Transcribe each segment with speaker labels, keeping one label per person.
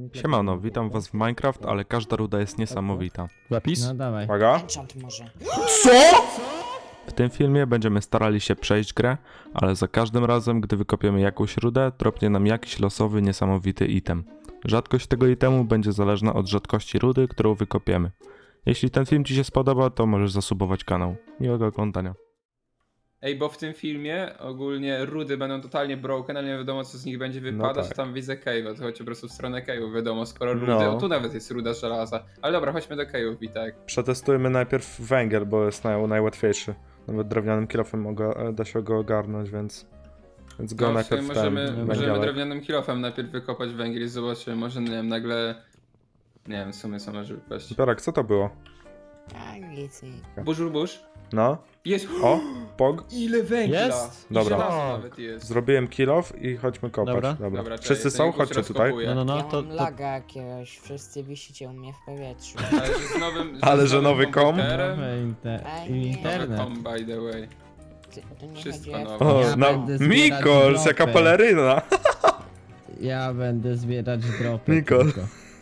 Speaker 1: Siemano, witam was w Minecraft, ale każda ruda jest niesamowita.
Speaker 2: Zapis?
Speaker 3: No dawaj.
Speaker 1: Uwaga.
Speaker 4: Enchant może.
Speaker 1: Co?! W tym filmie będziemy starali się przejść grę, ale za każdym razem, gdy wykopiemy jakąś rudę, dropnie nam jakiś losowy, niesamowity item. Rzadkość tego itemu będzie zależna od rzadkości rudy, którą wykopiemy. Jeśli ten film ci się spodoba, to możesz zasubować kanał. Miłego oglądania.
Speaker 2: Ej, bo w tym filmie ogólnie rudy będą totalnie broken, ale nie wiadomo co z nich będzie wypadać,
Speaker 1: tak.
Speaker 2: Tam widzę cave'a, to chodź po prostu w stronę cave'u, wiadomo, skoro rudy,
Speaker 1: No.
Speaker 2: o tu nawet jest ruda żelaza. Ale dobra, chodźmy do cave'ów, Witek.
Speaker 1: Przetestujmy najpierw węgiel, bo jest najłatwiejszy. Nawet drewnianym kilofem da się go ogarnąć, więc go
Speaker 2: No, w
Speaker 1: najpierw
Speaker 2: sumie
Speaker 1: ten
Speaker 2: możemy
Speaker 1: węgielek.
Speaker 2: drewnianym kilofem najpierw wykopać węgiel i zobaczymy, może nie wiem, nagle... Nie wiem, w sumie co może wypaść.
Speaker 1: Zbiorak, co to było?
Speaker 4: A nic.
Speaker 2: Burz.
Speaker 1: No,
Speaker 2: Jest!
Speaker 1: o, pog.
Speaker 2: Ile węgla!
Speaker 3: Jest?
Speaker 2: I
Speaker 1: Dobra.
Speaker 2: żelazo nawet jest.
Speaker 1: Zrobiłem kilof i chodźmy kopać.
Speaker 3: Dobra.
Speaker 2: Dobra, czekaj,
Speaker 1: Wszyscy
Speaker 2: ten
Speaker 1: są?
Speaker 2: Guś
Speaker 1: Chodźcie tutaj.
Speaker 2: rozkopuje.
Speaker 3: No,
Speaker 4: Ja
Speaker 3: to
Speaker 4: mam laga jakiegoś, wszyscy wisicie u mnie w powietrzu.
Speaker 2: Ale że z nowym,
Speaker 1: Ale
Speaker 2: z
Speaker 1: że
Speaker 2: nowym
Speaker 1: nowy komp?
Speaker 2: komputerem.
Speaker 4: Ej, nie.
Speaker 3: Internet.
Speaker 2: Nowy komp, by the way.
Speaker 4: To nie
Speaker 2: Wszystko
Speaker 4: chodzi
Speaker 2: nowe.
Speaker 1: O,
Speaker 3: Ja
Speaker 1: na
Speaker 3: będę zbierać
Speaker 1: Mikols, jaka
Speaker 3: dropy.
Speaker 1: peleryna.
Speaker 3: Ja będę zbierać dropy.
Speaker 1: Nikol.
Speaker 3: tylko.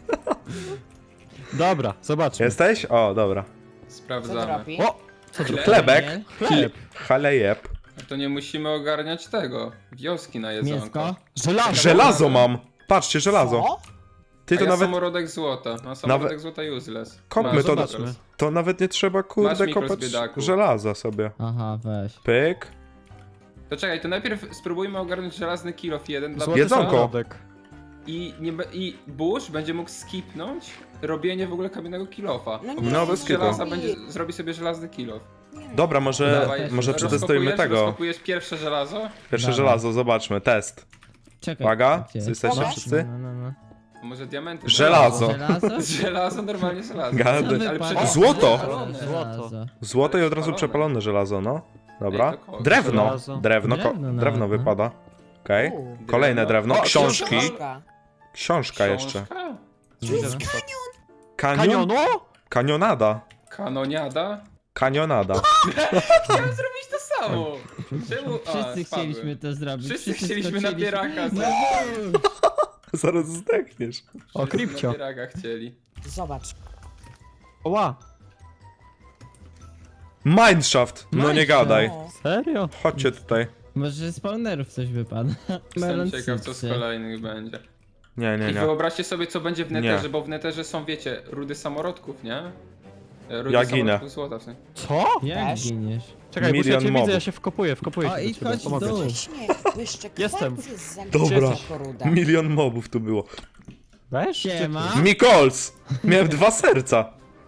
Speaker 5: Dobra, zobaczmy.
Speaker 1: Jesteś? O, dobra.
Speaker 4: Co
Speaker 2: Sprawdzamy.
Speaker 4: dropi?
Speaker 5: O!
Speaker 1: Chlebek.
Speaker 3: Chleb.
Speaker 1: Halejeb.
Speaker 2: To nie musimy ogarniać tego. Wioski na jedzonko.
Speaker 3: Mięsko.
Speaker 5: Żelazo!
Speaker 1: Żelazo mam! Patrzcie, żelazo.
Speaker 4: Co?
Speaker 1: Ty to
Speaker 2: ja
Speaker 1: nawet...
Speaker 2: samorodek złota. No samorodek złota useless.
Speaker 1: Kopmy
Speaker 2: Masz,
Speaker 1: to,
Speaker 2: zobaczmy.
Speaker 1: to nawet nie trzeba,
Speaker 2: Masz
Speaker 1: kurde,
Speaker 2: mikro z
Speaker 1: kopać
Speaker 2: biedaku.
Speaker 1: żelaza sobie.
Speaker 3: Aha, weź.
Speaker 1: Pyk.
Speaker 2: To czekaj, to najpierw spróbujmy ogarnąć żelazny kilof jeden dla
Speaker 5: Złoty
Speaker 1: Jedzonko.
Speaker 5: samorodek.
Speaker 2: I Bush będzie mógł skipnąć robienie w ogóle kamiennego kilofa.
Speaker 4: No
Speaker 1: No,
Speaker 4: nie,
Speaker 1: bez
Speaker 2: Z
Speaker 1: kitu.
Speaker 2: żelaza zrobi sobie żelazny kilof.
Speaker 1: Dobra, może
Speaker 2: Dawaj,
Speaker 1: przetestujmy tego.
Speaker 2: Rozkopujesz pierwsze żelazo?
Speaker 1: Pierwsze
Speaker 3: Dawaj.
Speaker 1: żelazo, zobaczmy, test.
Speaker 3: Czekaj.
Speaker 1: Uwaga,
Speaker 3: gdzie?
Speaker 1: jesteście
Speaker 4: Dobra.
Speaker 1: wszyscy?
Speaker 3: No.
Speaker 2: A może diamenty?
Speaker 1: Żelazo.
Speaker 3: Żelazo?
Speaker 2: Żelazo, normalnie żelazo.
Speaker 1: Gady.
Speaker 3: Co
Speaker 2: Ale
Speaker 3: wypada?
Speaker 1: Złoto.
Speaker 3: Żelazo.
Speaker 1: Złoto i od razu
Speaker 2: Przepalone.
Speaker 1: przepalone żelazo, no. Dobra.
Speaker 2: Ej, to kogo?
Speaker 1: Drewno.
Speaker 5: Żelazo.
Speaker 1: Drewno
Speaker 3: Drewno nawet, no.
Speaker 1: wypada. Okej.
Speaker 4: U,
Speaker 1: Kolejne drewno.
Speaker 2: O,
Speaker 1: Książki.
Speaker 4: książka.
Speaker 1: Książka jeszcze.
Speaker 2: Książka?
Speaker 1: Kanion?
Speaker 5: Kanionu?
Speaker 1: Kanionada.
Speaker 2: Kanoniada?
Speaker 1: Kanionada.
Speaker 2: Chciałem zrobić to samo! Czemu? A,
Speaker 3: Wszyscy
Speaker 2: spadłem.
Speaker 3: chcieliśmy to zrobić.
Speaker 2: Wszyscy chcieliśmy na
Speaker 3: skoczyliśmy.
Speaker 2: pieraka
Speaker 3: No
Speaker 2: zrobić.
Speaker 1: Zaraz zdechniesz.
Speaker 5: O,
Speaker 2: Wszyscy
Speaker 5: Kripcio.
Speaker 2: na pieraka chcieli.
Speaker 4: Zobacz.
Speaker 5: Oła!
Speaker 1: Mineshaft. No nie
Speaker 3: Mineshaft.
Speaker 1: gadaj.
Speaker 4: O,
Speaker 5: Serio?
Speaker 1: Chodźcie tutaj.
Speaker 3: Może z spawnerów coś wypada.
Speaker 2: Jestem ciekaw co z
Speaker 3: cycy.
Speaker 2: kolejnych będzie.
Speaker 1: Nie, nie,
Speaker 2: I
Speaker 1: nie.
Speaker 2: wyobraźcie sobie co będzie w neterze,
Speaker 1: Nie.
Speaker 2: bo w neterze są wiecie, rudy samorodków, nie? Rudy
Speaker 1: Ja ginę.
Speaker 2: samorodków złota w sensie.
Speaker 5: Co?
Speaker 3: Jak
Speaker 4: Też?
Speaker 3: giniesz?
Speaker 5: Czekaj, bo ja
Speaker 1: Milion
Speaker 5: cię
Speaker 1: mobów.
Speaker 5: widzę, ja się wkopuję
Speaker 3: O,
Speaker 5: się
Speaker 3: idź,
Speaker 5: do ciebie,
Speaker 3: chodź w
Speaker 5: pomogę
Speaker 3: dół.
Speaker 5: ci.
Speaker 4: Właśnie, jeszcze
Speaker 5: Jestem.
Speaker 4: kwarcy z
Speaker 1: Dobra.
Speaker 4: Koruda.
Speaker 1: Milion mobów tu było.
Speaker 5: Weź?
Speaker 3: Siema.
Speaker 1: Mikols! Miałem 2 serca.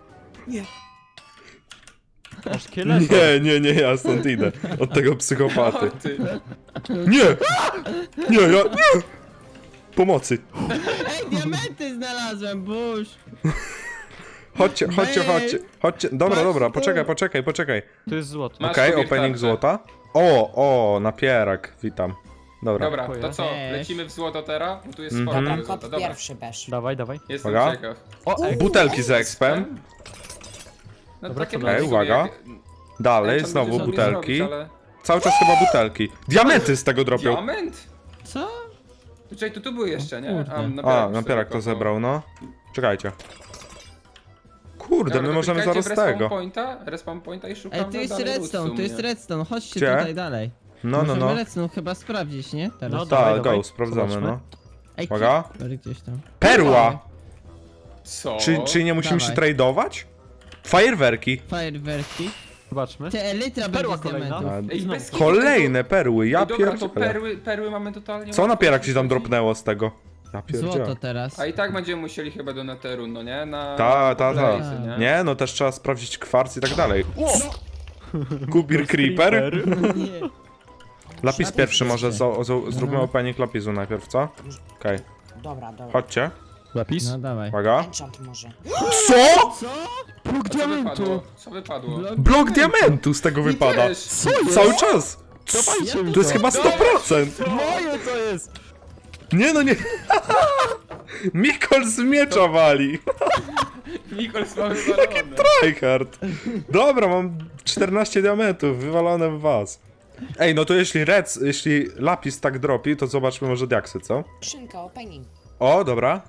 Speaker 5: Masz szkielet?
Speaker 1: Nie, ja stąd idę. Od tego
Speaker 2: O,
Speaker 1: psychopaty.
Speaker 2: ty.
Speaker 1: Nie! Nie. Pomocy.
Speaker 3: Ej, diamenty znalazłem, Bush!
Speaker 1: Chodźcie. Dobra,
Speaker 3: Patrz
Speaker 1: dobra,
Speaker 3: tu.
Speaker 1: poczekaj.
Speaker 5: Tu jest złoto.
Speaker 2: Masz
Speaker 1: Okej,
Speaker 2: sobie
Speaker 1: opening
Speaker 2: kartę.
Speaker 1: złota. O, napierak, witam. Dobra.
Speaker 2: Dobra, to
Speaker 5: Dziękuję.
Speaker 2: co?
Speaker 3: Cześć.
Speaker 2: Lecimy w złoto teraz? Bo tu jest
Speaker 1: Mhm.
Speaker 2: sporo
Speaker 4: Dobra,
Speaker 2: tego złota.
Speaker 4: kop
Speaker 2: Dobra,
Speaker 4: pierwszy besz.
Speaker 5: Dawaj, dawaj.
Speaker 2: jestem
Speaker 1: Uwaga.
Speaker 2: ciekaw.
Speaker 5: O, ej,
Speaker 1: Butelki z expem.
Speaker 2: No,
Speaker 5: Dobra,
Speaker 2: takie
Speaker 5: co
Speaker 2: bardziej
Speaker 1: dalej? Uwaga.
Speaker 2: jak-
Speaker 1: Dalej,
Speaker 2: Enchant
Speaker 1: znowu
Speaker 2: będzie sobie
Speaker 1: butelki.
Speaker 2: zrobić, ale-
Speaker 1: Cały czas chyba butelki. Diamenty z tego dropią.
Speaker 2: Diament?
Speaker 3: Co?
Speaker 2: Czekaj, tu były jeszcze, nie?
Speaker 3: kurde.
Speaker 1: Napierak to zebrał, no. Czekajcie. Kurde,
Speaker 2: Dobra,
Speaker 1: my
Speaker 2: to
Speaker 1: możemy
Speaker 2: klikajcie
Speaker 1: zaraz
Speaker 2: w
Speaker 1: tego.
Speaker 2: Respawn pointa i szukamy
Speaker 3: Ej, tu jest
Speaker 2: dalej
Speaker 3: redstone,
Speaker 2: loot
Speaker 3: tu
Speaker 2: w
Speaker 3: jest
Speaker 2: sumie.
Speaker 3: redstone, chodźcie
Speaker 1: Gdzie?
Speaker 3: tutaj dalej.
Speaker 1: No.
Speaker 3: Możemy redstone chyba sprawdzić, nie? Teraz.
Speaker 5: No, dawaj,
Speaker 1: Tak,
Speaker 5: dawaj.
Speaker 1: go, sprawdzamy,
Speaker 5: Zobaczmy.
Speaker 1: no.
Speaker 3: Ej,
Speaker 1: Uwaga.
Speaker 3: Creeper gdzieś tam.
Speaker 1: Perła!
Speaker 2: Co?
Speaker 1: Czy nie musimy się
Speaker 3: Dawaj.
Speaker 1: tradeować? Fajerwerki.
Speaker 3: Fajerwerki.
Speaker 5: Zobaczmy.
Speaker 3: Te elytra będzie
Speaker 5: Perła
Speaker 3: z
Speaker 5: kolejna.
Speaker 3: diamentów.
Speaker 2: Ej,
Speaker 5: Znowu.
Speaker 2: bez kitu
Speaker 1: Kolejne perły, ja
Speaker 2: Ej, dobra, to
Speaker 1: pierdzielę.
Speaker 2: perły mamy totalnie
Speaker 1: Co
Speaker 2: łatwo
Speaker 1: napierak ci tam
Speaker 2: przerzucić.
Speaker 1: dropnęło z tego? Ja
Speaker 3: Złoto
Speaker 1: pierdzielę.
Speaker 3: teraz.
Speaker 2: A i tak będziemy musieli chyba do Netheru, no nie? Na
Speaker 1: Ta.
Speaker 2: Blaze'y, nie?
Speaker 1: Nie, no też trzeba sprawdzić kwarc i tak dalej. Kubir Creeper.
Speaker 3: Nie.
Speaker 1: Lapis pierwszy może, zróbmy opening lapisu najpierw, co? Okej,
Speaker 4: Dobra.
Speaker 1: chodźcie.
Speaker 5: Zapis?
Speaker 3: No dawaj.
Speaker 1: Uwaga.
Speaker 4: Enchant może.
Speaker 1: Co?!
Speaker 3: Co?
Speaker 5: Próg
Speaker 2: Co wypadło? Co wypadło?
Speaker 1: Blok diamentu z tego
Speaker 2: Mi
Speaker 1: wypada.
Speaker 2: też.
Speaker 1: Cały czas!
Speaker 5: Dawajcie mi
Speaker 1: To jest chyba 100%!
Speaker 5: Moje to jest!
Speaker 1: Nie no nie. Mikol z miecza wali.
Speaker 2: Mikols ma wywalone.
Speaker 1: Tryhard. Dobra, mam 14 diamentów wywalone w was. Ej, no to jeśli lapis tak dropi, to zobaczmy może diaksy, co?
Speaker 4: Skrzynka, opening.
Speaker 1: O, dobra.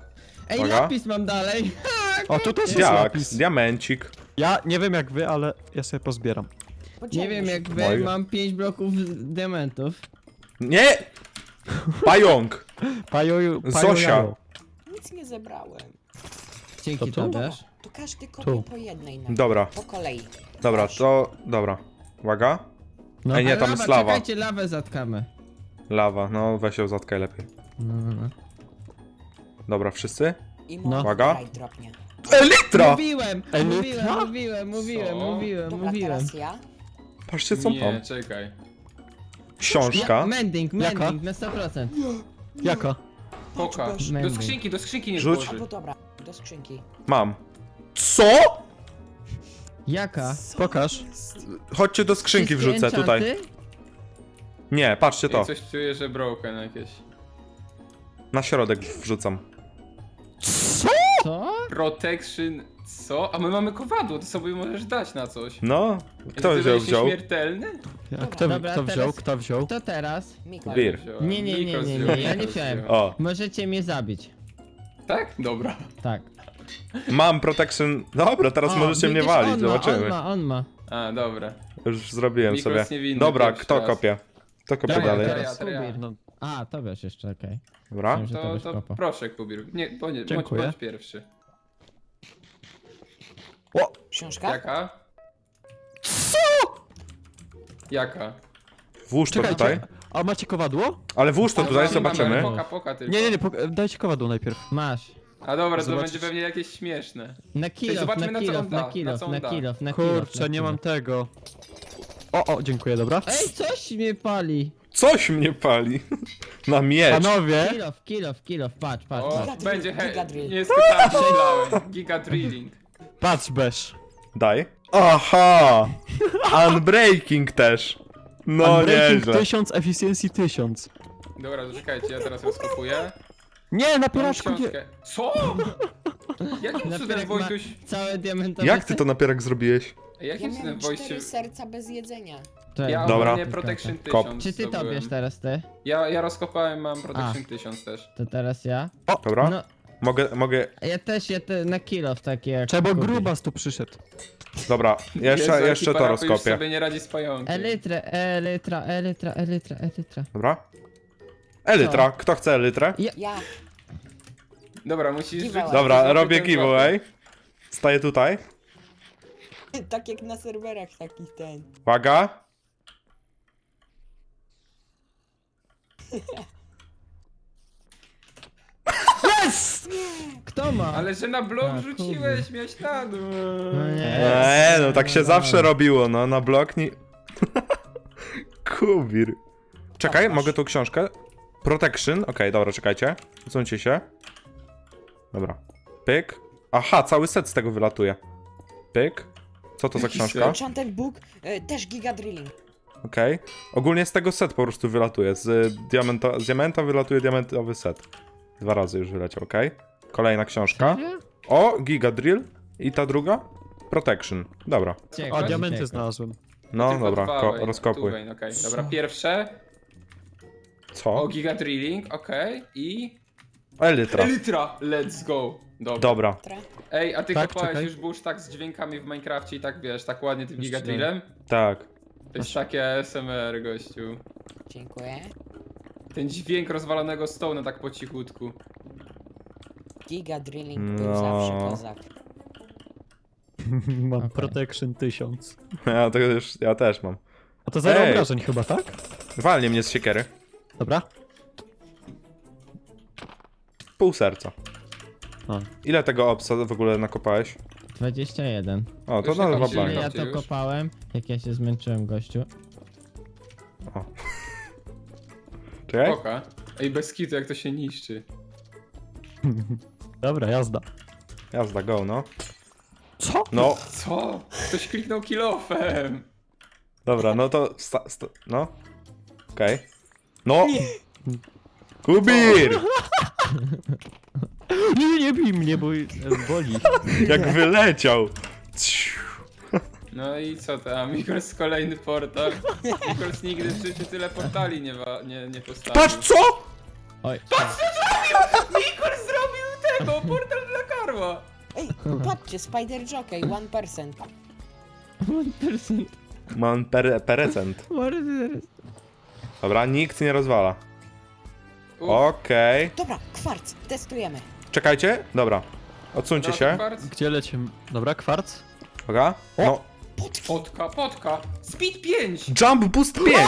Speaker 3: Ej,
Speaker 1: Uwaga.
Speaker 3: lapis mam dalej.
Speaker 5: O, tu też jest
Speaker 1: Jak?
Speaker 5: lapis.
Speaker 1: Diamencik.
Speaker 5: Ja nie wiem jak wy, ale ja sobie pozbieram.
Speaker 3: Nie
Speaker 4: Podzielmy
Speaker 3: wiem
Speaker 4: się.
Speaker 3: jak wy,
Speaker 1: Moje.
Speaker 3: mam 5 bloków diamentów.
Speaker 1: Nie! Pająk!
Speaker 5: Pajo,
Speaker 1: Zosia.
Speaker 5: jajo.
Speaker 4: Nic nie zebrałem.
Speaker 3: Dzięki
Speaker 5: To tu?
Speaker 3: tobie.
Speaker 4: To każdy kopie
Speaker 5: Tu.
Speaker 4: po jednej na
Speaker 1: Dobra,
Speaker 4: po kolei.
Speaker 1: dobra, to... Dobra. Uwaga.
Speaker 5: No.
Speaker 1: Ej, nie,
Speaker 3: Ale
Speaker 1: tam jest lawa.
Speaker 3: Czekajcie, lawę zatkamy.
Speaker 1: Lawa, no weź ją zatkaj lepiej.
Speaker 3: No.
Speaker 1: Dobra, wszyscy?
Speaker 4: I
Speaker 5: No.
Speaker 1: Uwaga.
Speaker 4: Uwaga. Dropnie.
Speaker 1: Elitra!
Speaker 3: Mówiłem,
Speaker 5: Ej,
Speaker 3: mówiłem,
Speaker 5: co?
Speaker 3: mówiłem.
Speaker 4: Dobra, teraz ja.
Speaker 1: Patrzcie co
Speaker 2: Nie,
Speaker 1: mam.
Speaker 2: czekaj.
Speaker 1: Książka.
Speaker 3: Mending
Speaker 5: Jaka?
Speaker 3: na 100%.
Speaker 5: Jaka?
Speaker 2: Poka.
Speaker 3: Mending.
Speaker 2: Do skrzynki nie
Speaker 1: Rzuć.
Speaker 2: włoży.
Speaker 4: Albo dobra, do skrzynki.
Speaker 1: Mam. Co?
Speaker 3: Jaka?
Speaker 5: Pokaż.
Speaker 1: Chodźcie do skrzynki
Speaker 3: Wszystkie
Speaker 1: wrzucę tutaj.
Speaker 3: enchanty?
Speaker 1: Nie, patrzcie to.
Speaker 2: I coś czuję, że broken jakieś.
Speaker 1: Na środek wrzucam.
Speaker 3: Co?
Speaker 2: Protection... Co? A my mamy kowadło, to sobie możesz dać na coś.
Speaker 1: No, kto
Speaker 2: Ty
Speaker 1: wziął?
Speaker 2: będziesz
Speaker 1: Wziął?
Speaker 2: nieśmiertelny?
Speaker 5: A kto
Speaker 3: Dobra,
Speaker 5: wziął?
Speaker 3: teraz-
Speaker 5: Kto wziął?
Speaker 3: To teraz?
Speaker 4: Mikołaj.
Speaker 1: Bir.
Speaker 2: Wziąłem.
Speaker 3: Nie,
Speaker 2: Nikos
Speaker 3: nie,
Speaker 2: wziął,
Speaker 3: ja nie
Speaker 2: Nikos
Speaker 3: wziąłem.
Speaker 2: wziął.
Speaker 1: O,
Speaker 3: Możecie mnie zabić.
Speaker 2: Tak? Dobra.
Speaker 3: Tak.
Speaker 1: mam protection. Dobra, teraz
Speaker 3: O,
Speaker 1: możecie mnie
Speaker 3: widzisz,
Speaker 1: walić,
Speaker 3: on ma,
Speaker 1: zobaczymy.
Speaker 3: On ma.
Speaker 2: A, dobra.
Speaker 1: Już zrobiłem
Speaker 2: Nikos
Speaker 1: sobie.
Speaker 2: niewinny
Speaker 1: Dobra,
Speaker 2: pierwszy
Speaker 1: kto
Speaker 2: raz.
Speaker 1: kopie? Kto kopie
Speaker 3: Dobra,
Speaker 1: dalej?
Speaker 3: teraz
Speaker 2: Ja.
Speaker 3: Kubir.
Speaker 5: No,
Speaker 3: A, to wiesz jeszcze, okej.
Speaker 1: Dobra.
Speaker 3: Myślałem, że
Speaker 2: To,
Speaker 3: byś
Speaker 2: to
Speaker 3: kopał.
Speaker 2: proszę, Kubir. Nie, bądź
Speaker 5: Dziękuję.
Speaker 2: bądź pierwszy.
Speaker 4: Książka?
Speaker 2: Jaka? Jaka?
Speaker 1: Włóż to tutaj.
Speaker 5: czekajcie. A macie kowadło?
Speaker 1: Ale włóż to tutaj,
Speaker 2: Mamy
Speaker 1: zobaczymy.
Speaker 2: Poka tylko.
Speaker 5: Nie, dajcie kowadło najpierw.
Speaker 3: Masz.
Speaker 2: A dobra, to
Speaker 5: Zobaczysz.
Speaker 2: będzie pewnie jakieś śmieszne.
Speaker 3: Na kilof,
Speaker 2: zobaczmy, na co on da,
Speaker 3: na kilof,
Speaker 2: na co on
Speaker 3: na
Speaker 2: da.
Speaker 3: kilof, na kilof.
Speaker 5: Kurczę, nie mam tego. O, dziękuję, dobra.
Speaker 3: Ej, coś mnie pali.
Speaker 1: Coś mnie pali. Na miecz.
Speaker 5: Panowie,
Speaker 3: Kilof, patrz.
Speaker 2: O,
Speaker 4: Giga
Speaker 2: będzie
Speaker 4: drill, giga drill.
Speaker 2: Nie skutałem, myślałem. Giga drilling.
Speaker 5: patrz Besz.
Speaker 1: Daj. Aha! Unbreaking też. No
Speaker 5: Unbreaking
Speaker 1: nieźle.
Speaker 5: 1000, efficiency 1000.
Speaker 2: Dobra, to czekajcie, ja teraz rozkopuję.
Speaker 5: Nie, na
Speaker 2: Mam
Speaker 5: pieraczku nie.
Speaker 2: książkę. Co? Jakim cudem
Speaker 3: Napierek ma
Speaker 2: Wojtuś...
Speaker 3: całe diamentowe...
Speaker 1: Jak ty to napierak zrobiłeś?
Speaker 2: Jakim
Speaker 4: Ja
Speaker 2: cudem
Speaker 4: miałem
Speaker 2: Wojtuś...
Speaker 4: 4 serca bez jedzenia.
Speaker 3: Cześć.
Speaker 2: Ja
Speaker 1: Dobra.
Speaker 2: ogólnie Protection
Speaker 1: Kop.
Speaker 2: 1000
Speaker 3: Czy ty to
Speaker 2: zdobyłem.
Speaker 3: bierz teraz, ty?
Speaker 2: Ja rozkopałem, mam Protection 1000 też.
Speaker 3: To teraz ja?
Speaker 1: Dobra?
Speaker 3: No,
Speaker 1: Mogę...
Speaker 3: ja też, na kilof takie jak...
Speaker 5: Trzeba, bo
Speaker 3: Kubir.
Speaker 5: grubas tu przyszedł.
Speaker 1: Dobra,
Speaker 2: Jezu,
Speaker 1: jeszcze
Speaker 2: jaki
Speaker 1: to
Speaker 2: parapet już
Speaker 1: rozkopię.
Speaker 2: sobie nie radzi z pająkiem.
Speaker 3: Elytra.
Speaker 1: Dobra? Elytra, kto chce elytrę?
Speaker 4: Ja.
Speaker 2: Dobra, musisz
Speaker 4: Giveaway.
Speaker 2: rzucić
Speaker 1: Dobra,
Speaker 2: złoty
Speaker 1: robię
Speaker 2: ten
Speaker 1: giveaway. Staję tutaj.
Speaker 4: Tak jak na serwerach takich ten.
Speaker 1: Uwaga.
Speaker 3: Kto ma?
Speaker 2: Ale że na blok
Speaker 3: A,
Speaker 2: rzuciłeś, miałeś na dół.
Speaker 3: No nie.
Speaker 1: No tak się zawsze robiło, no na blok nie... Kubir. Czekaj,
Speaker 4: Masz.
Speaker 1: mogę tą książkę? Protection, okej, dobra, czekajcie. Usuńcie się. Dobra. Pyk. Aha, cały set z tego wylatuje. Pyk. Co to za
Speaker 2: Jaki
Speaker 1: książka?
Speaker 2: set?
Speaker 4: Enchanted Book, też giga drilling.
Speaker 1: Okej. Ogólnie z tego set po prostu wylatuje. Z diamenta wylatuje diamentowy set. 2 razy już wyleciał, okej. Kolejna książka.
Speaker 3: Serio?
Speaker 1: O, Giga Drill. I ta druga? Protection. Dobra.
Speaker 3: Ciekawe,
Speaker 5: O, diamenty
Speaker 3: ciekawe.
Speaker 5: znalazłem.
Speaker 1: No
Speaker 2: Tylko
Speaker 1: dobra,
Speaker 2: dwa,
Speaker 1: rozkopuj.
Speaker 2: tu, okej. Dobra, pierwsze.
Speaker 1: Co?
Speaker 2: O, Giga Drilling, okej. I...
Speaker 1: Elytra.
Speaker 2: Elytra! Let's go! Dobra.
Speaker 1: Dobra.
Speaker 4: Tra.
Speaker 2: Ej, a ty
Speaker 5: Tak,
Speaker 2: kopałeś
Speaker 5: czekaj.
Speaker 2: już burz tak z dźwiękami w Minecrafcie i tak wiesz, tak ładnie tym
Speaker 5: Już
Speaker 2: Giga
Speaker 5: nie.
Speaker 2: Drillem?
Speaker 1: Tak.
Speaker 2: To jest takie ASMR, gościu.
Speaker 4: Dziękuję.
Speaker 2: Ten dźwięk rozwalonego stone'a tak po cichutku.
Speaker 4: Giga drilling
Speaker 1: No.
Speaker 4: był zawsze kozak.
Speaker 5: Mam
Speaker 3: Okej.
Speaker 5: protection 1000.
Speaker 1: Ja też mam.
Speaker 5: A to zero
Speaker 1: Ej.
Speaker 5: obrażeń chyba, tak?
Speaker 1: Walnie mnie z siekiery.
Speaker 5: Dobra.
Speaker 1: Pół serca.
Speaker 5: A.
Speaker 1: Ile tego obsa w ogóle nakopałeś?
Speaker 3: 21.
Speaker 1: O, to
Speaker 2: Już
Speaker 1: na
Speaker 2: nie
Speaker 1: dwa
Speaker 2: kończymy.
Speaker 3: Ile
Speaker 1: blanka.
Speaker 3: ja to
Speaker 2: Już?
Speaker 3: kopałem? Jak ja się zmęczyłem, gościu.
Speaker 1: Czekaj.
Speaker 2: Oka. Ej, bez kitu jak to się niszczy.
Speaker 5: Dobra, jazda.
Speaker 1: Jazda, go, no.
Speaker 5: Co?
Speaker 1: No,
Speaker 2: Co? Ktoś kliknął kilofem!
Speaker 1: dobra, no to... no. Okej. No! Kubir!
Speaker 5: Nie bij mnie, bo boli.
Speaker 1: Jak wyleciał! Ciu.
Speaker 2: No i co tam? Mikols kolejny portal. Mikols nigdy w życiu tyle portali nie postawił.
Speaker 1: Patrz co?!
Speaker 3: Oj.
Speaker 2: Mikols zrobił ten to portal dla Karła!
Speaker 4: Ej, patrzcie, Spider Jockey, 1%.
Speaker 3: 1%.
Speaker 1: Mam perecent.
Speaker 3: Morder.
Speaker 1: Dobra, nikt nie rozwala.
Speaker 2: Uf,
Speaker 1: Okej.
Speaker 4: Dobra, kwarc, testujemy.
Speaker 1: Czekajcie. Dobra. Odsuńcie
Speaker 2: dobra,
Speaker 1: się.
Speaker 2: kwarc.
Speaker 5: Gdzie lecimy? Dobra, kwarc.
Speaker 1: Uwaga. No.
Speaker 2: Potka. Speed 5!
Speaker 1: Jump boost 5!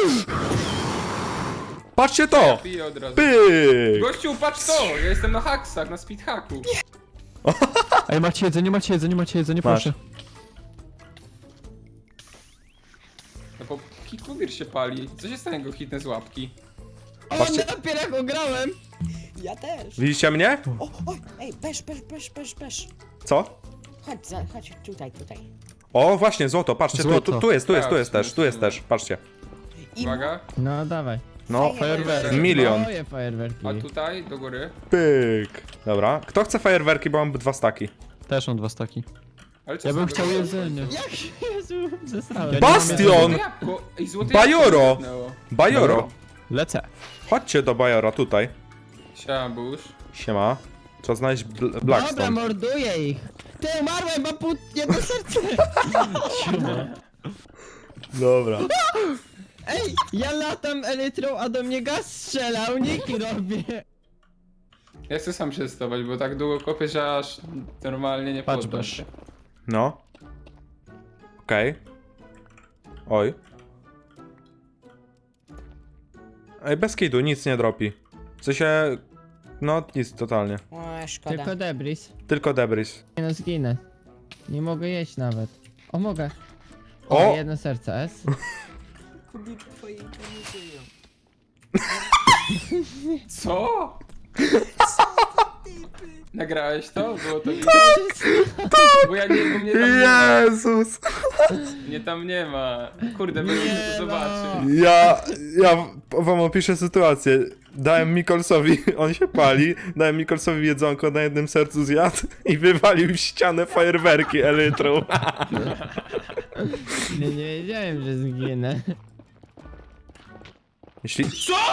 Speaker 1: Patrzcie to!
Speaker 2: Piję od razu.
Speaker 1: Pyk!
Speaker 2: Gościu, patrz to! Ja jestem na haksach, na speed hacku.
Speaker 5: Ej, macie jedzenie,
Speaker 1: Masz.
Speaker 5: proszę.
Speaker 2: No bo Kitmobir się pali. Co się stanie, jak go hitnę z łapki?
Speaker 3: O,
Speaker 1: Patrzcie.
Speaker 3: dopiero jak grałem.
Speaker 4: Ja też.
Speaker 1: Widzicie mnie?
Speaker 4: O, oj, ej, besz.
Speaker 1: Co?
Speaker 4: Chodź, tutaj.
Speaker 1: O, właśnie, złoto, patrzcie,
Speaker 5: Złoto.
Speaker 1: tu jest
Speaker 2: Tak,
Speaker 1: też, patrzcie.
Speaker 4: I
Speaker 2: Uwaga.
Speaker 3: No dawaj.
Speaker 1: No,
Speaker 4: Fajerwerki.
Speaker 1: milion.
Speaker 3: Moje fajerwerki.
Speaker 2: A tutaj, do góry.
Speaker 1: Pyk. Dobra, kto chce fajerwerki, bo mam 2 staki.
Speaker 5: Też mam 2 staki.
Speaker 2: Ale co
Speaker 5: Ja
Speaker 2: z
Speaker 5: bym
Speaker 2: tego
Speaker 5: chciał
Speaker 2: będzie?
Speaker 5: jedzenie.
Speaker 3: Jezu, zesrałem.
Speaker 5: Ja nie
Speaker 1: Bastion!
Speaker 2: Złote jabłko. Ej, złote
Speaker 1: Bajoro!
Speaker 2: jabłko zniknęło.
Speaker 1: Bajoro.
Speaker 5: Lecę.
Speaker 1: Chodźcie do Bajora, tutaj.
Speaker 2: Siema, Bush.
Speaker 1: Siema. Trzeba znaleźć
Speaker 3: Dobra,
Speaker 1: Blackstone.
Speaker 3: morduję ich. Ty, umarłem, mam jedno serce.
Speaker 1: Dobra.
Speaker 3: Ej, ja latam elytrą, a do mnie gaz strzela, uniki robię.
Speaker 2: Ja chcę sam przetestować, bo tak długo kopię, że aż normalnie nie
Speaker 5: Patrz,
Speaker 2: poddam
Speaker 5: Bash.
Speaker 2: się.
Speaker 1: No. Okej. Oj. Ej, bez kidu, nic nie dropi. W sensie... No, nic totalnie.
Speaker 4: O, szkoda.
Speaker 3: Tylko debris.
Speaker 1: Tylko debris.
Speaker 3: Nie no, zginę. Nie mogę jeść nawet. O, mogę.
Speaker 1: O!
Speaker 3: O, jedno serce, S.
Speaker 4: Kubiczku twojej nie żyją.
Speaker 2: Co? Nagrałeś to? Było to widać? Bo ja nie, bo mnie tam nie ma.
Speaker 1: Jezus!
Speaker 2: Mnie tam nie ma. Kurde, będę
Speaker 3: Nie
Speaker 2: to
Speaker 3: no.
Speaker 2: zobaczyć.
Speaker 1: Ja wam opiszę sytuację. Dałem Mikolsowi, on się pali, dałem Mikolsowi jedzonko, na jednym sercu zjadł i wywalił w ścianę fajerwerki elytrą.
Speaker 3: Nie wiedziałem, że zginę.
Speaker 1: Jeśli...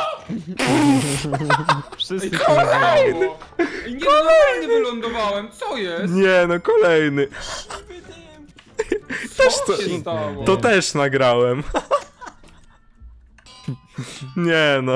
Speaker 5: Wszyscy
Speaker 2: Ej, co się stało? Ej, nie, no normalnie wylądowałem. Co jest?
Speaker 1: Nie no, kolejny. Też
Speaker 2: Co
Speaker 1: to,
Speaker 2: się stało?
Speaker 1: to też nagrałem. Nie no.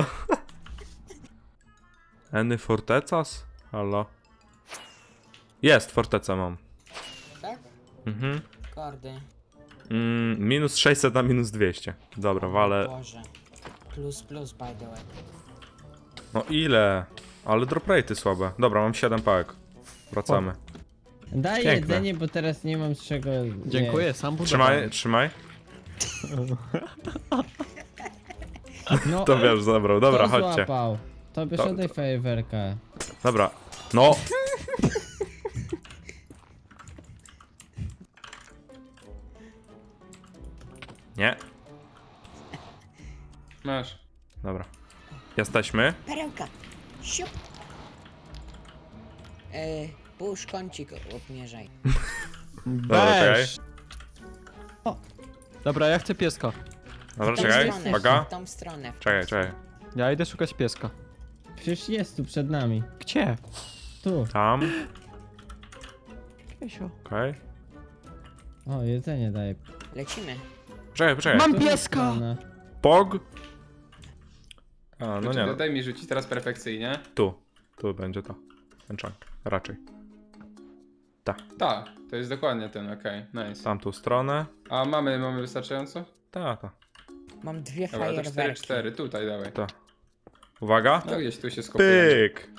Speaker 1: Any Fortecas? Halo? Jest, fortecę mam.
Speaker 4: Tak?
Speaker 1: Mhm.
Speaker 4: Kordy.
Speaker 1: Minus 600 na minus 200. Dobra, walę.
Speaker 4: Boże. Plus, by the way.
Speaker 1: No ile? Ale drop rate'y słabe. Dobra, mam 7 pałek. Wracamy.
Speaker 3: Daj
Speaker 1: Piękne.
Speaker 3: jedzenie, bo teraz nie mam z czego
Speaker 5: Dziękuję, sam budowałem.
Speaker 1: Trzymaj.
Speaker 3: No,
Speaker 1: To wiesz, zabrał. Dobra,
Speaker 3: to
Speaker 1: chodźcie.
Speaker 3: złapał. To bierz
Speaker 1: To-
Speaker 3: oddaj fajerwerkę.
Speaker 1: Dobra. No. Nie.
Speaker 2: Masz.
Speaker 1: Dobra. Jesteśmy.
Speaker 4: Perełka. Siup. Pusz kącik obmierzaj.
Speaker 1: Dobra, czekaj.
Speaker 5: Weź. Dobra, ja chcę pieska.
Speaker 1: Dobra,
Speaker 4: W tą
Speaker 1: czekaj.
Speaker 4: stronę,
Speaker 1: Uwaga.
Speaker 4: W tą stronę.
Speaker 1: Czekaj.
Speaker 5: Ja idę szukać pieska.
Speaker 3: Przecież jest tu przed nami.
Speaker 5: Gdzie?
Speaker 3: Tu.
Speaker 1: Tam.
Speaker 5: Piesio.
Speaker 1: Okej.
Speaker 3: O, jedzenie daje.
Speaker 4: Lecimy.
Speaker 1: Czekaj.
Speaker 5: Mam
Speaker 3: Tu
Speaker 5: pieska!
Speaker 3: strona.
Speaker 1: Pog. A, no nie. No.
Speaker 2: Daj mi rzucić teraz perfekcyjnie.
Speaker 1: Tu będzie to. Ten chunk. Raczej.
Speaker 2: Tak, to jest dokładnie ten, okej, nice.
Speaker 1: Tamtą stronę.
Speaker 2: A mamy wystarczająco?
Speaker 1: Ta.
Speaker 4: Mam dwie
Speaker 2: Dobra, to
Speaker 4: fajerwerki.
Speaker 2: 4, tutaj dawaj.
Speaker 1: Uwaga.
Speaker 2: No gdzieś tu się skopiłem.
Speaker 1: Pyk.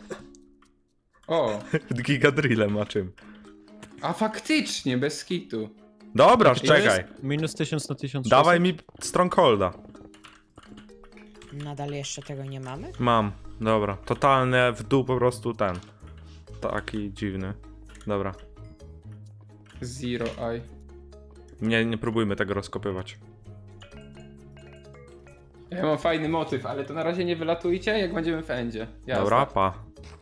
Speaker 2: O,
Speaker 1: Gigadrillem ma czym.
Speaker 2: a faktycznie, bez kitu.
Speaker 1: Dobra,
Speaker 2: To
Speaker 1: czekaj.
Speaker 5: Minus 1000 na 1600.
Speaker 1: Dawaj mi Strongholda.
Speaker 4: Nadal jeszcze tego nie mamy?
Speaker 1: Mam. Dobra. Totalnie w dół po prostu ten. Taki dziwny. Dobra.
Speaker 2: Zero eye.
Speaker 1: Nie próbujmy tego rozkopywać.
Speaker 2: Ja mam fajny motyw, ale to na razie nie wylatujcie, jak będziemy w endzie. Jasne.
Speaker 1: Dobra, pa.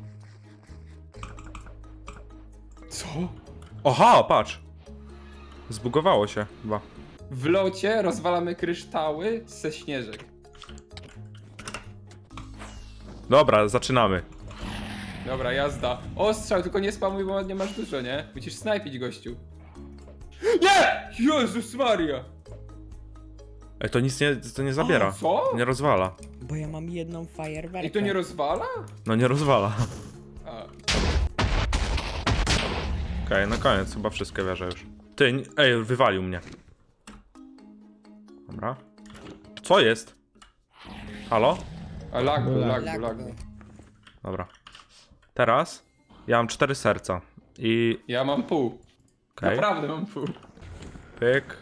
Speaker 2: Co?
Speaker 1: Oha, patrz. Zbugowało się chyba.
Speaker 2: W locie rozwalamy kryształy ze śnieżek.
Speaker 1: Dobra, zaczynamy.
Speaker 2: Dobra, jazda. Ostrzał, tylko nie spamuj, bo nie masz dużo, nie? Musisz snajpić, gościu. Nie! Jezus Maria!
Speaker 1: Ej, to nic nie zabiera.
Speaker 2: A, co?
Speaker 1: Nie rozwala.
Speaker 4: Bo ja mam jedną fajerwerkę.
Speaker 2: I to nie rozwala?
Speaker 1: No nie rozwala.
Speaker 2: A.
Speaker 1: Okej, na koniec chyba wszystkie wierzę już. Ty, ej, wywalił mnie. Dobra. Co jest? Halo?
Speaker 2: A lag był,
Speaker 3: Lag.
Speaker 2: lag był, lag był.
Speaker 1: Dobra. Teraz ja mam 4 serca. I...
Speaker 2: Ja mam pół.
Speaker 1: Okej.
Speaker 2: Naprawdę mam pół.
Speaker 1: Pyk.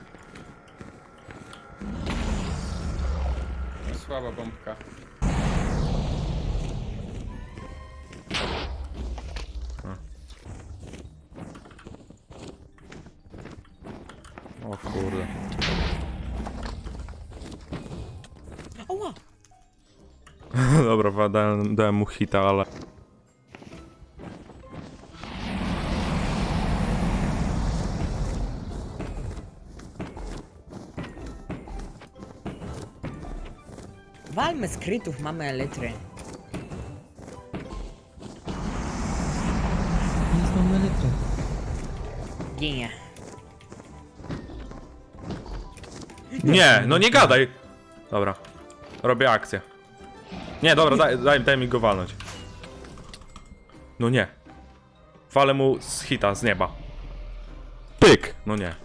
Speaker 2: No, słaba bombka.
Speaker 1: O kurde.
Speaker 4: Oła!
Speaker 1: Dobra, dałem mu hita, ale...
Speaker 4: Walmy z krytów, mamy elitry.
Speaker 3: Jest mam elytrę.
Speaker 4: Ginie.
Speaker 1: Nie, no nie gadaj! Dobra. Robię akcję. Nie, dobra, daj mi go walnąć. No nie. Walę mu z hita, z nieba. Pyk! No nie.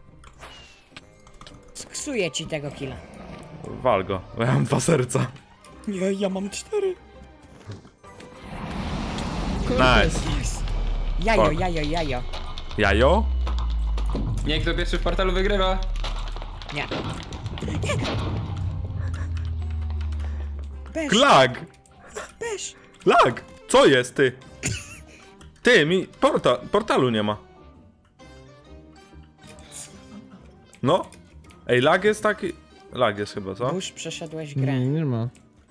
Speaker 4: Sksuję ci tego killa.
Speaker 1: Wal go, bo ja mam 2 serca.
Speaker 4: Nie, ja mam 4.
Speaker 1: Nice.
Speaker 4: Jajo,
Speaker 1: Fuck.
Speaker 4: jajo, jajo.
Speaker 1: Jajo?
Speaker 2: Nie, kto pierwszy w portalu wygrywa.
Speaker 4: Nie. Bez,
Speaker 1: Lag!
Speaker 4: bez.
Speaker 1: Lag! Co jest, ty? Ty, mi portalu nie ma. No. Ej, lag jest taki... Lag jest chyba, co?
Speaker 4: Już przeszedłeś grę.
Speaker 3: Nie ma.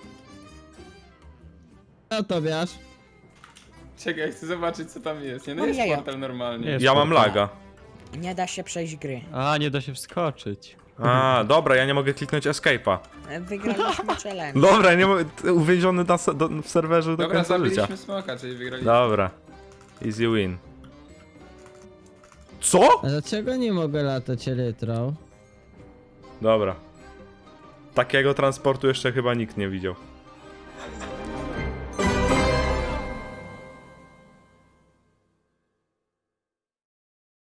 Speaker 3: Co to wiesz?
Speaker 2: Czekaj, chcę zobaczyć co tam jest. Nie, no
Speaker 4: Mam
Speaker 2: jest
Speaker 4: jaja.
Speaker 2: portal normalnie.
Speaker 5: Jest.
Speaker 1: Ja mam laga.
Speaker 4: Nie da się przejść gry.
Speaker 5: A, nie da się wskoczyć.
Speaker 1: A, dobra, ja nie mogę kliknąć escape'a.
Speaker 4: Wygraliśmy challenge.
Speaker 1: Dobra, nie mogę... Uwięziony w serwerze do
Speaker 2: Dobra,
Speaker 1: końca życia.
Speaker 2: zabiliśmy smoka, czyli wygraliśmy.
Speaker 1: Dobra. Easy win. Co?
Speaker 3: A dlaczego nie mogę latać elytrą?
Speaker 1: Dobra. Takiego transportu jeszcze chyba nikt nie widział.